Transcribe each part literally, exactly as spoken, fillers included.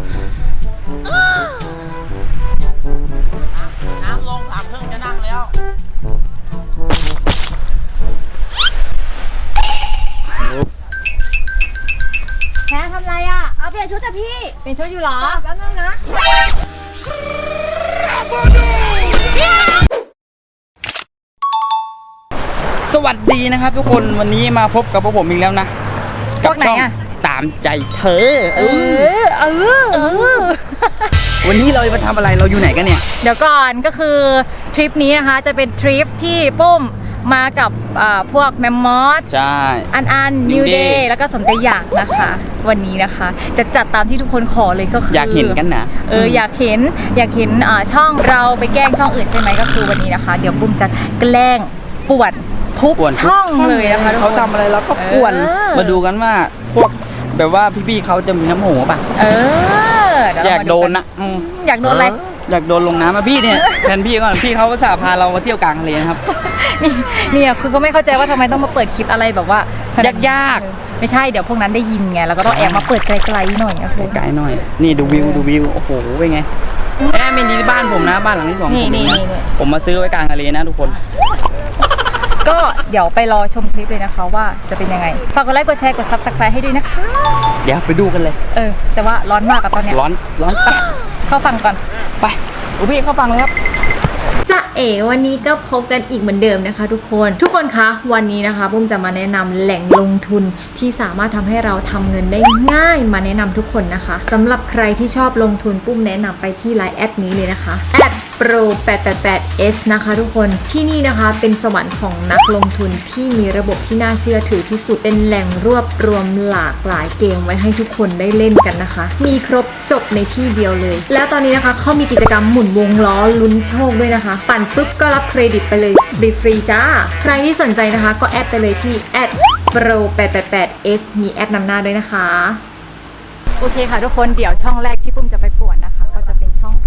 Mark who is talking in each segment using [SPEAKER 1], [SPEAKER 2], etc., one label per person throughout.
[SPEAKER 1] น้ำลงสามครึ่งจะนั่งแล้ว
[SPEAKER 2] แพ้ทำไรอ่ะเอาเปลี่ยนชุดจ้ะพี่เปลี่ยนชุดอยู่หรอแป๊บนึงนะ
[SPEAKER 3] สวัสดีนะครับทุกคนวันนี้มาพบกับพวกผมอีกแล้วนะพวกไหนอะตามใจเธอเออเออเออวันนี้เราจะมาทำอะไรเราอยู่ไหนกันเนี่ย
[SPEAKER 2] เดี๋ยวก่อนก็คือทริปนี้นะคะจะเป็นทริปที่ปุ้มมากับพวกแมมมอส
[SPEAKER 3] ใช่
[SPEAKER 2] อันอันนิวเดย์แล้วก็สมใจอยากนะคะวันนี้นะคะจะจัดตามที่ทุกคนขอเลยก็คือ
[SPEAKER 3] อยากเห็นกันนะ
[SPEAKER 2] เอออยากเห็นอยากเห็นช่องเราไปแกล้งช่องอื่นใช่ไหมก็คือวันนี้นะคะเดี๋ยวปุ้มจะแกล้งป่วนทุกช่องเลยนะคะ
[SPEAKER 3] เขาทำอะไรเราก็ป่วนมาดูกันว่าพวกแบบว่าพี่ๆเขาจะมีน้ำโหป่ะ
[SPEAKER 2] เออ
[SPEAKER 3] อยากโดนนะ
[SPEAKER 2] อยากโดนอะไร
[SPEAKER 3] อยากโดนลงน้ำมาพี่เนี่ยแทนพี่ก่อนพี่เขาสาพาเรามาเที่ยวกลางทะเลนะครับ
[SPEAKER 2] นี่นี่คือก็ไม่เข้าใจว่าทำไมต้องมาเปิดคลิปอะไรแบบว่าย
[SPEAKER 3] ากยาก
[SPEAKER 2] ไม่ใช่เดี๋ยวพวกนั้นได้ยินไงแล้วก็ต้องแอบมาเปิดไกลๆหน่อยนะ
[SPEAKER 3] ไกลหน่อยนี่ดูวิวดูวิวโอ้โหเป็นไงแม่เป็นที่บ้านผมนะบ้านหลังที่สองผมนะผมมาซื้อไว้กลางทะเลนะทุกคน
[SPEAKER 2] ก็เดี๋ยวไปรอชมคลิปเลยนะคะว่าจะเป็นยังไงฝากกดไลค์กดแชร์กดซับสไครต์ให้ด้วยนะคะ
[SPEAKER 3] เดี๋ยวไปดูกันเลย
[SPEAKER 2] เออแต่ว่าร้อนมากอะตอนนี้
[SPEAKER 3] ร้อนร้อนตัด
[SPEAKER 2] เข้าฟังก่อน
[SPEAKER 3] ไปโอพี่เข้าฟังเลยครับ
[SPEAKER 2] จะเอ๋วันนี้ก็พบกันอีกเหมือนเดิมนะคะทุกคนทุกคนคะวันนี้นะคะปุ้มจะมาแนะนำแหล่งลงทุนที่สามารถทำให้เราทำเงินได้ง่ายมาแนะนำทุกคนนะคะสำหรับใครที่ชอบลงทุนปุ้มแนะนำไปที่ไลน์แอดนี้เลยนะคะแอดโปรแปดแปดแปดเอสนะคะทุกคนที่นี่นะคะเป็นสวรรค์ของนักลงทุนที่มีระบบที่น่าเชื่อถือที่สุดเป็นแหล่งรวบรวมหลากหลายเกมไว้ให้ทุกคนได้เล่นกันนะคะมีครบจบในที่เดียวเลยแล้วตอนนี้นะคะเขามีกิจกรรมหมุนวงล้อลุ้นโชคด้วยนะคะปั่นปุ๊บก็รับเครดิตไปเลยฟรีๆจ้าใครที่สนใจนะคะก็แอดไปเลยที่แอดโปรแปดแปดแปดเอสมีแอดนำหน้าด้วยนะคะโอเคค่ะทุกคนเดี๋ยวช่องแรกที่ปุ้มจะไปป่วนนะคะก็จะเป็นช่อง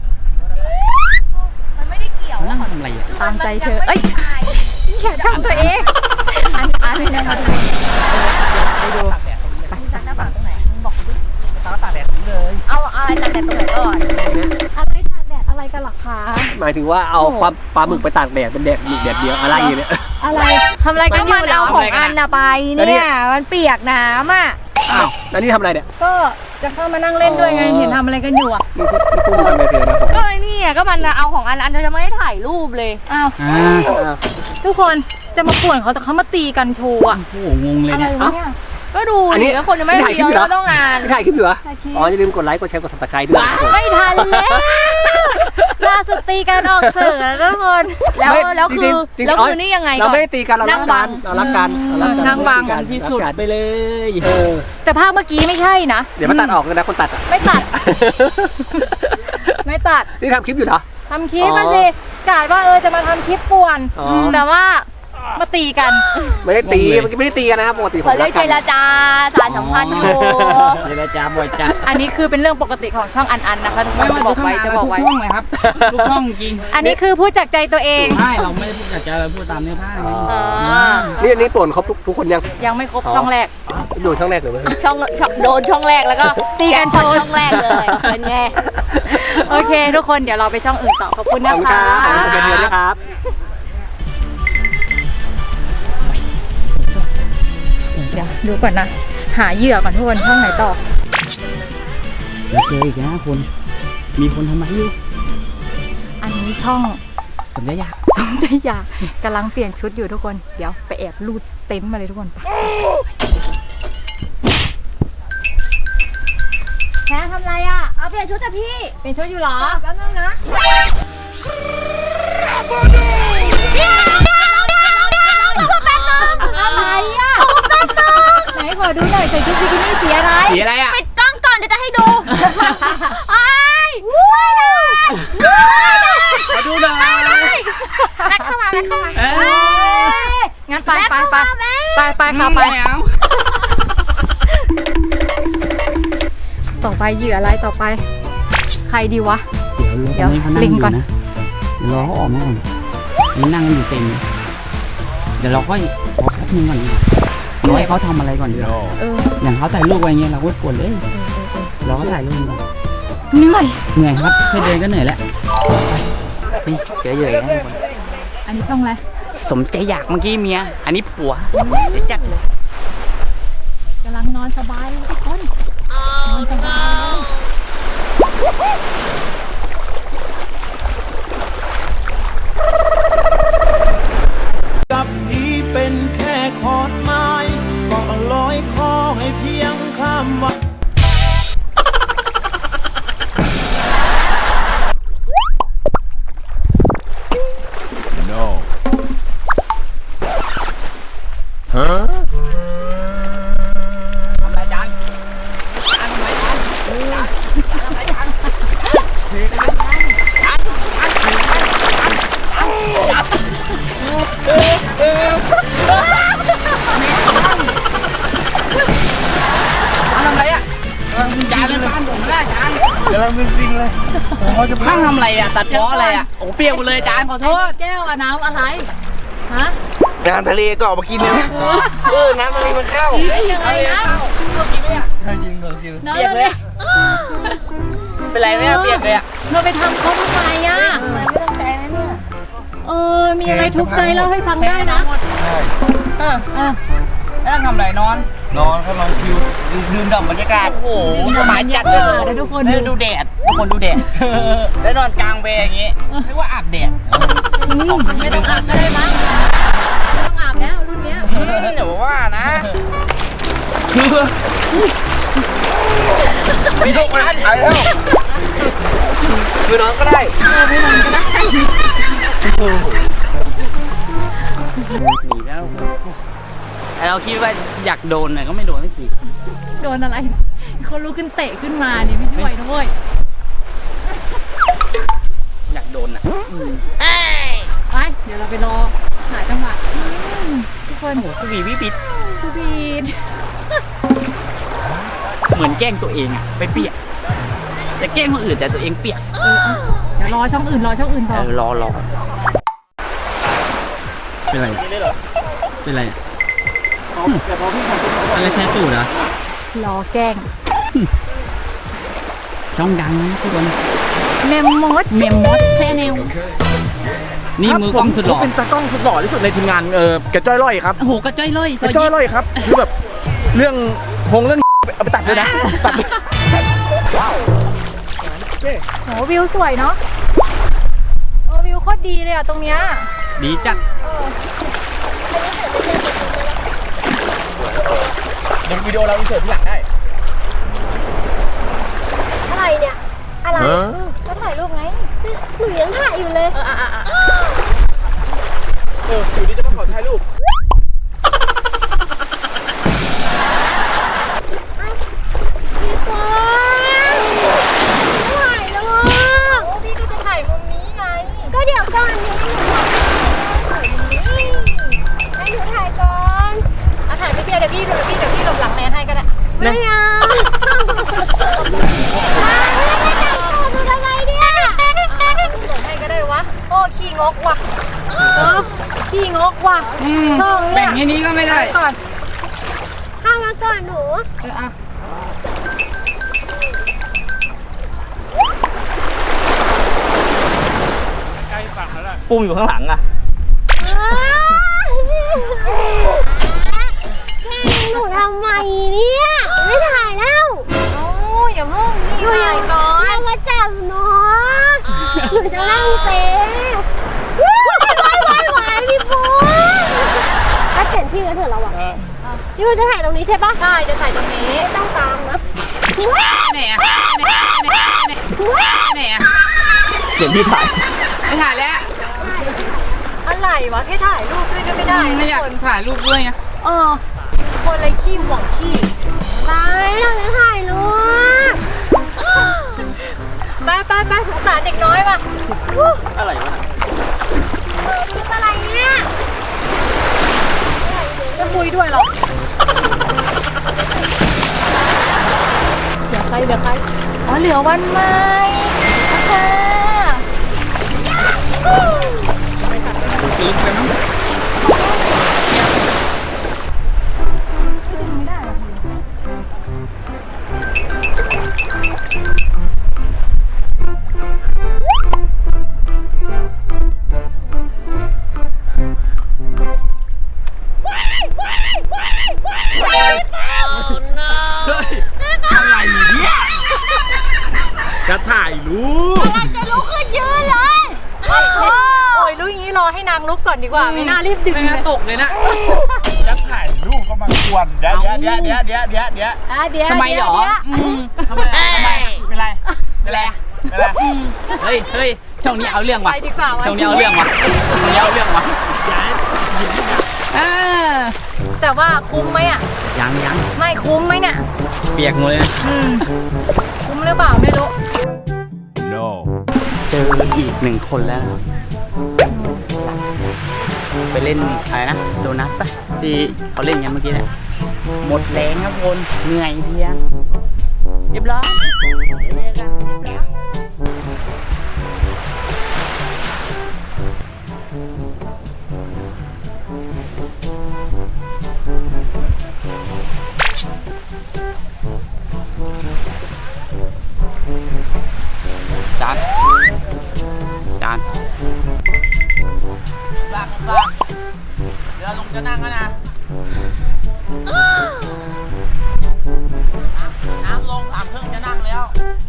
[SPEAKER 2] มันไม่ได้เกี่ยวแล้วอะไรตามใจเธอเอ้ยแค่ช่องตัวเองอันอันนี้นะคะทุกคนไปดูไปตากหน้าฝั่งตรงไหนมึงบอกดิตากตากแดดนี้เลยเอาอะไรตากแดดตรงไหนก่อนอะไรตากแดดอะไรกันหรอคะ
[SPEAKER 4] หมายถึงว่าเอาปลาปลาหมึกไปตากแดดเป็นแดดหมึกแดดเดียวอะไรอย่างเงี้ย
[SPEAKER 2] อะไรทำอะไรกันอยู่เอาของอันน่ะไปเนี่ยมันเปียกน้ำอ่ะ
[SPEAKER 4] อ้าวแล้วนี่ทำอะไรเนี่ย
[SPEAKER 2] ก็จะเข้ามานั่งเล่นด้วยไงเห็นทำอะไรกันอยู่อ่ะ
[SPEAKER 4] นี่พูดทำอะไรเธอนะ
[SPEAKER 2] ก็นี่ก็มันเอาของอันอันจะไม่ได้ถ่ายรูปเลยอ้าวทุกคนจะมาป่วนเขาแต่เขามาตีกันโชว์อ่ะ
[SPEAKER 3] โอ้โหงงเลยเนี่ย
[SPEAKER 2] ก็ดูดิแล้วคนจะไม่ได้เดียวเราต้องงาน
[SPEAKER 4] ถ่ายคลิปอยู่เหรออ๋ออย่าลืมกดไลค์กดแชร์กดซับสไครต์ด้วย
[SPEAKER 2] ไม่ทันแล้วล่าสุดตีกันออกสื่อแล้วทุกคนแล้วแล้วคือแล้วคือนี่ยังไงก่อน
[SPEAKER 4] เราไม่ได้ตีกันเรารักกันเรารักกัน
[SPEAKER 2] นั่งบัง
[SPEAKER 3] กันที่สุดไปเลย
[SPEAKER 2] แต่ภาพเมื่อกี้ไม่ใช่นะ
[SPEAKER 4] เดี๋ยวมาตัดออกเลยนะคนตัด
[SPEAKER 2] ไม่ตัดไม่ตัด
[SPEAKER 4] นี่ทำคลิปอยู่เหรอ
[SPEAKER 2] ทำคลิปมาสิกะว่าเออจะมาทำคลิปป่วนแต่ว่ามาตีกัน
[SPEAKER 4] ไม่ได้ตีเมื่อกี้ไม่ได้ตีกันนะครับปกติผม
[SPEAKER 2] รักกันเจรจาสารสัมพันธ์อยู่
[SPEAKER 3] เจรจาบ่อยจัด
[SPEAKER 2] อันนี้คือเป็นเรื่องปกติของช่องอันอันนะคะ
[SPEAKER 3] ไม่ว่าจะบอกไว้จะบอกไว้ทุกช่องเลยครับทุกช่องจริง
[SPEAKER 2] อันนี้คือพูดจากใจตัวเอง
[SPEAKER 3] ใช่เราไม่ได้พูดจากใจเราพูดตามเนื้อผ้าไง
[SPEAKER 4] นี่อันนี้ป่วนครบทุกคนยัง
[SPEAKER 2] ยังไม่ครบช่องแรก
[SPEAKER 4] โดนช่องแรกเลย
[SPEAKER 2] ช่องโดนช่องแรกแล้วก็ตีกันโชว์ช่องแรกเลยเป็นไงโอเคทุกคนเดี๋ยวเราไปช่องอื่นต่อขอบคุณนะคะ
[SPEAKER 4] ขอบคุณนะครับ
[SPEAKER 2] เดี๋ยวดูก่อนนะหาเหยื่อก่อนทุกคนช่องไหนต่อ
[SPEAKER 3] แล้วเจออีกนะคนมีคนทำไมอยู่
[SPEAKER 2] อันนี้ช่อง
[SPEAKER 3] สมใจอยาก
[SPEAKER 2] สมใจอยากกำลังเปลี่ยนชุดอยู่ทุกคนเดี๋ยวไปแอบลูดเต็นท์มาเลยทุกคนไปแพ้ทำไรอ่ะเอาเปลี่ยนชุดจ้ะพี่เปลี่ยนชุดอยู่หรอแป๊บนึงนะอะไรอ่ะไหนขอดูหน่อยใส่ชุดบิกินี่สีอะไร
[SPEAKER 3] สีอะไรอ่ะ
[SPEAKER 2] ปิดกล้องก่อนเดี๋ยวจะให้ดูไอ้ไม่ได้
[SPEAKER 3] มาดูหน่อย
[SPEAKER 2] แม็กเข้ามาแม็กเข้ามางั้นไปไปไปไปไปค่ะไปต่อไปเหยื่ออะไรต่อไปใครดีวะ
[SPEAKER 3] เดี๋ยวเราลิงก่อนนะรอเขาออกมาก่อนนี่นั่งอยู่เต็มเดี๋ยวเราค่อยรอแป๊บนึงก่อนรอให้เขาทำอะไรก่อนดีกว่าอย่างเขาถ่ายรูปไว้เงี้ยเราก็กดเลยรอเขาถ่ายรูปก่อน
[SPEAKER 2] เหนื่อย
[SPEAKER 3] เหนื่อยครับแค่เดินก็เหนื่อยแล้วนี่เจอเหยื่อนะทุกคน
[SPEAKER 2] อันนี้ช่องอะไร
[SPEAKER 3] สมใจอยากเมื่อกี้เมียอันนี้ผัวเดี๋ยวจัดเลย
[SPEAKER 2] กำลังนอนสบายเลยทุกคนนอนสบายเลย
[SPEAKER 5] กับอีเป็นแค่ขอนไม้ก็ลอยคอให้เพียงข้ามวัน
[SPEAKER 3] ทำไรจานจานทำไรจานจานทำไรจานจานจานทำไรอ่ะจานเป็นบ้านผมได้จาน
[SPEAKER 4] กำลังเป็นจริงเลยเขาจะ
[SPEAKER 3] นั่งทำไรอ่ะตัดล้ออะไรอ่ะโอ้เปียกหมดเลยจานขอโทษ
[SPEAKER 2] แก้วอะน้ำอะไรฮะ
[SPEAKER 4] งานทะเลก็ออกมากินเนี่ยเออน้ำทะเลมันเข้า
[SPEAKER 2] ยังไงนะ
[SPEAKER 4] จริงเหรอจริง
[SPEAKER 2] น้อง
[SPEAKER 3] เปียกเลยอะเป็นไรไหมอะเปียกเลยอะ
[SPEAKER 2] เราไปทำเขาทำไมอ่ะไม่ตั้งใจนะเนี่ยเออมีอะไรทุกข์ใจเล่าให้ฟังได้นะ
[SPEAKER 3] เออ
[SPEAKER 2] เออ
[SPEAKER 3] แล้วทำไรนอน
[SPEAKER 4] นอนเขานอนชิวดื่มด่ำบรรยากาศ
[SPEAKER 3] โอ้โหสบายจัดเลย
[SPEAKER 2] เดี๋ยวทุกคน
[SPEAKER 3] เออดูแดดทุกคนดูแดดแล้วนอนกลางเบย์อย่างงี้เรียกว่าอาบแดด
[SPEAKER 2] อืมไม่ต้องอาบก็ได้มั้งไม่ต้องอาบแล้วรุ่นเนี้ย
[SPEAKER 3] เดี๋ยวว่านะ
[SPEAKER 4] ไม่ต้องมาไอ้แล้วคือนอนก็ได้
[SPEAKER 3] หนีแล้วไอเราคิดว่าอยากโดนน่ะก็ไม่โดนสักที
[SPEAKER 2] โดนอะไรเขาลุกขึ้นเตะขึ้นมานี่ไม่ใช่ไหวนะเว้ย
[SPEAKER 3] อยากโดนอ่ะ
[SPEAKER 2] ไปเดี๋ยวเราไปรอหาจังหวะอืมทุกคน
[SPEAKER 3] โอ้โหสวีวิบิด
[SPEAKER 2] สวีท
[SPEAKER 3] เหมือนแกล้งตัวเองอะไปเปียกจะแกล้งคนอื่นแต่ตัวเองเปียก
[SPEAKER 2] เออเอาเดี๋ยวรอช่องอื่นรอช่องอื่นต่
[SPEAKER 3] เอ
[SPEAKER 2] อ
[SPEAKER 3] อรอรอ
[SPEAKER 4] เป็นไรเป็นไรอะไรแค่ตูดเหรอ
[SPEAKER 2] รอแกล้ง
[SPEAKER 3] ช่องดังนะทุกคน
[SPEAKER 2] เมมมอสเมมมอสแชนแนล
[SPEAKER 3] นี่มือกล้องสุดหล่อ
[SPEAKER 4] ผมเป็นตากล้องสุดหล่อที่สุดในทีมงานเออกระจ้อยร่อยครับ
[SPEAKER 3] โอ้โหกระจ้อยเลย
[SPEAKER 4] กระจ้อยร่อยครับคือแบบเรื่องพงเรื่องเอาไปตัดเลยนะตัด
[SPEAKER 2] โหวิวสวยเนาะเออวิวโคตรดีเลยอ่ะตรงเนี้ย
[SPEAKER 3] ดีจัด
[SPEAKER 2] เออ
[SPEAKER 4] เดี๋ยววิดีโอเราอินเสิร์ตที่หลังได้
[SPEAKER 6] อะไรเนี่ย อะไร
[SPEAKER 2] ก็ถ่ายรูปไง
[SPEAKER 6] หนูยังถ่ายอยู่เลย
[SPEAKER 2] เอออ่ะอ่ะอ่ะ
[SPEAKER 4] เอออยู่ดีจะมาขอถ่ายรูป
[SPEAKER 6] พี่ปอนถ่ายรูป
[SPEAKER 2] โอ้พี่ก็จะถ่ายมุมนี้ไง
[SPEAKER 6] ก็เดี๋ยวก่อนนี่ให้หนูถ่ายก่อน
[SPEAKER 2] อ่ะถ่ายไม่เดียวเดี๋ยวพี่เดี๋ยวพี่เดี๋ยวพี่หลบหลังแมนให้ก็ได้
[SPEAKER 6] ไม่เอาดูทำไมเนี่ย
[SPEAKER 2] หลบให้ก็ได้วะโอ้ขี้งกว่ะเออขี้งกว่ะช่อง
[SPEAKER 3] แบ่
[SPEAKER 2] เนี่
[SPEAKER 3] ง
[SPEAKER 2] ย
[SPEAKER 3] แค่นี้ก็ไม่ได้
[SPEAKER 2] ก่อน
[SPEAKER 6] เข้ามาก่อนหนู
[SPEAKER 2] เอออ่ะ
[SPEAKER 3] ปุ้มอยู่ข้างหลังอ่ะ
[SPEAKER 6] แกล้งหนูทำไมเนี่ย ไม่ถ่ายแล้ว
[SPEAKER 2] โอ้ยอย่าเพิ่งนี่ถ่ายก่อน
[SPEAKER 6] อย่ามาจับหนูหนูจะนั่งเป๊ะว้ายว้ายว้ายพี่ปูถ้าเปลี่ยนที่กันเถอะเราอะพี่ปูจะถ่ายตรงนี้ใช่ปะ
[SPEAKER 2] ใช่จะถ่ายตรงนี้
[SPEAKER 6] ไม่ต้องตามนะ
[SPEAKER 3] ไหนอ่ะไหนอ่ะไหนอ่ะไหนอ่ะ
[SPEAKER 4] เดี๋ยวพี่ถ่าย
[SPEAKER 3] ไม่ถ่ายแล้ว
[SPEAKER 2] อะไรวะแค่ถ่ายรูปด้วยก็ไม่ได้
[SPEAKER 3] ไม่อยาก
[SPEAKER 2] คน
[SPEAKER 3] ถ่ายรูปด้วยไง
[SPEAKER 2] เออคนเลยขี้หวงขี้
[SPEAKER 6] ไปเราจะถ่ายรูป
[SPEAKER 2] ไปไปไปสงสารเด็กน้อยว่ะ
[SPEAKER 3] อะไรวะ
[SPEAKER 6] เออรูปอะไรเนี่ย
[SPEAKER 2] จะคุยด้วยหรอเดี๋ยวใครเดี๋ยวใครอ๋อเหลือวันใหม่ค่ะ
[SPEAKER 3] ลึกไปมั้ง
[SPEAKER 4] จะถ่ายรูป
[SPEAKER 6] กำลังจะลุกขึ้นยืนเลยโอ้โห
[SPEAKER 2] โอ้ยรู้อย่างนี้รอให้นางลุกก่อนดีกว่า ไม่น่ารีบดึง
[SPEAKER 3] ไม่
[SPEAKER 2] เล
[SPEAKER 3] งั้น
[SPEAKER 2] ย
[SPEAKER 3] ตกเลยนะ
[SPEAKER 4] จะถ่ายรูปก็มากวนเดี๋ยวเดี๋ยวเดี๋ยวเดี๋ยวเดี๋ยวเดี๋ยว
[SPEAKER 2] อ่ะเดี๋ยว
[SPEAKER 3] ทำไมหรอ
[SPEAKER 2] เดี๋ยว
[SPEAKER 3] อืม
[SPEAKER 4] ทำไมทำไมเป็นไรเป็นไรเป็นไร
[SPEAKER 3] เฮ้ยเฮ้ยช่องนี้เอาเรื่อง
[SPEAKER 2] ไป
[SPEAKER 3] ว่ะ
[SPEAKER 2] ดีกว่าวะ
[SPEAKER 3] ช่องนี้เอาเรื่องว่ะช่องนี้เอาเรื่องว่ะอ่า
[SPEAKER 2] แต่ว่าคุ้มไหมอ่ะ
[SPEAKER 3] ยังยัง
[SPEAKER 2] ไม่คุ้มไหมเนี่ย
[SPEAKER 3] เปียกหมดเลยนะ
[SPEAKER 2] อืม คุ้มหรือเปล่าไม่รู้
[SPEAKER 5] no
[SPEAKER 3] เจออีกหนึ่งคนแล้วนะไปเล่นอะไรนะโดนัทปะที่เขาเล่นกันเมื่อกี้เนี่ยหมดแรงครับคนเหนื่อยเพลียเรียบร้อยเรียบร้อยเรียบร้อยจานจาน
[SPEAKER 1] ลากลากเดี๋ยวลุงจะนั่งแล้วนะน้ำลงสามครึ่งจะนั่งแล้ว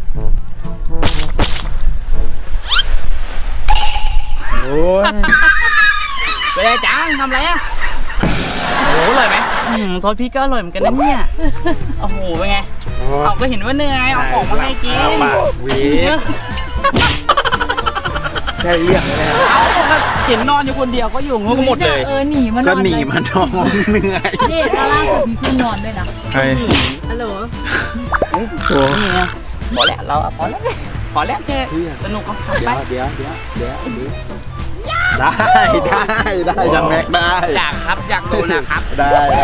[SPEAKER 4] โอ้ย
[SPEAKER 3] ไปเลยจานทำไรอ่ะโอ้โหอร่อยไหมอืมซอสพริกก็อร่อยเหมือนกันนะเนี่ยโอ้โหเป็นไงเอาก็เห็นว่าเหนื่อยเอาของมาให้กิน
[SPEAKER 4] เอาปากหวีดแค่เรียกเลยนะ
[SPEAKER 3] เอาก็เห็นนอนอยู่คนเดียวก็อยู่งูก็หมดเลย
[SPEAKER 2] เออหนีมาน
[SPEAKER 4] ก็
[SPEAKER 2] อน
[SPEAKER 4] หนี
[SPEAKER 2] เลย
[SPEAKER 4] มันน้องเหนื่อย
[SPEAKER 2] นี่แล้วล่าสุดมีเพื่อนนอนด้วยนะ
[SPEAKER 4] เฮ้ย
[SPEAKER 2] ฮัลโหล
[SPEAKER 4] โอ้
[SPEAKER 3] นี่ไงพอแล้วเราอะพอแล้วพอแล้วแค่สนุกก็ขับไป
[SPEAKER 4] เดี๋ยวเดี๋ยวเดี๋ยวเดี๋ยวได้ได้ได้จังแม็กได้
[SPEAKER 3] อยากครับอยากดูนะครับ
[SPEAKER 4] ได้ได้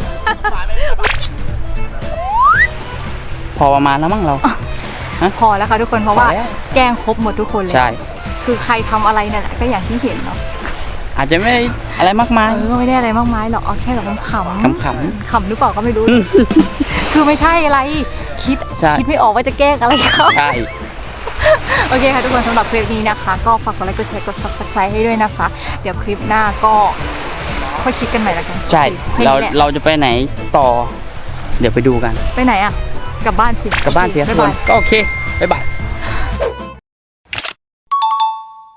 [SPEAKER 3] พอประมาณแล้วมั้งเรา
[SPEAKER 2] พอแล้วค่ะทุกคนเพราะว่า
[SPEAKER 3] พอแล้ว
[SPEAKER 2] แกล้งครบหมดทุกคนเลย
[SPEAKER 3] ใช่
[SPEAKER 2] คือใครทำอะไรเนี่ยแหละก็อย่างที่เห็นเนาะ
[SPEAKER 3] อาจจะไม่ได้อะไรมากมาย
[SPEAKER 2] เออไม่ได้อะไรมากมายหรอกเอาแค่แบบขำ
[SPEAKER 3] ขำๆ
[SPEAKER 2] ขำหรือเปล่าก็ไม่รู้ คือไม่ใช่อะไรคิด
[SPEAKER 3] ใช่
[SPEAKER 2] คิดไม่ออกว่าจะแกล้งอะไรเขา
[SPEAKER 3] ใช่
[SPEAKER 2] โอเคค่ะทุกคนสำหรับคลิปนี้นะคะ ก็ฝากกดไลค์กดแชร์กด ซับสไครบ์ ให้ด้วยนะคะ เดี๋ยวคลิปหน้าก็ค่อยคิดกันใหม่ละกัน
[SPEAKER 3] ใช่
[SPEAKER 2] ให้
[SPEAKER 3] เรา
[SPEAKER 2] แหละ
[SPEAKER 3] เราจะไปไหนต่อ เดี๋ยวไปดูกัน
[SPEAKER 2] ไปไหนอ่ะกลับบ้านสิ
[SPEAKER 3] กลับบ้านเสีย
[SPEAKER 2] บ๊าย
[SPEAKER 3] ค
[SPEAKER 2] บาน ย
[SPEAKER 3] ก็โอเคบ๊ายบาย